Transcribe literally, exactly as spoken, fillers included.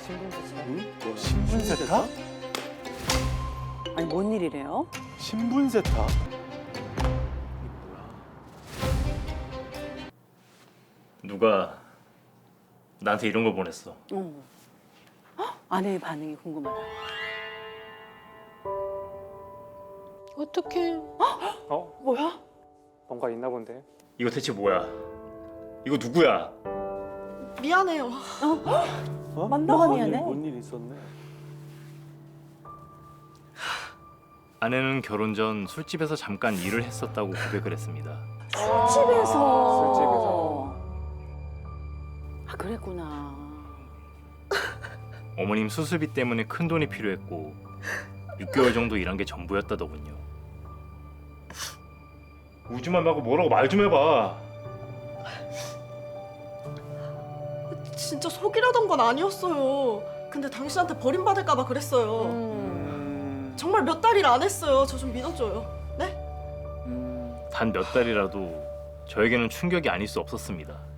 신분 세차? 응? 뭐야? 신분 세탁? 아니 뭔 일이래요? 신분 세탁? 누가 나한테 이런 걸 보냈어. 어. 헉, 아내의 반응이 궁금하다. 어떡해. 어? 뭐야? 뭔가 있나 본데. 이거 대체 뭐야? 이거 누구야? 미안해요. 어? 맞나? 뭐가 뭔 일, 미안해? 뭔 일 있었네. 아내는 결혼 전 술집에서 잠깐 일을 했었다고 고백을 했습니다. 술집에서. 술집에서. 아 그랬구나. 어머님 수술비 때문에 큰 돈이 필요했고 육 개월 정도 일한 게 전부였다더군요. 우지만 말고 뭐라고 말 좀 해봐. 진짜 속이려던 건 아니었어요. 근데 당신한테 버림받을까 봐 그랬어요. 음. 정말 몇 달 일 안 했어요. 저 좀 믿어줘요. 네? 음. 단 몇 달이라도 저에게는 충격이 아닐 수 없었습니다.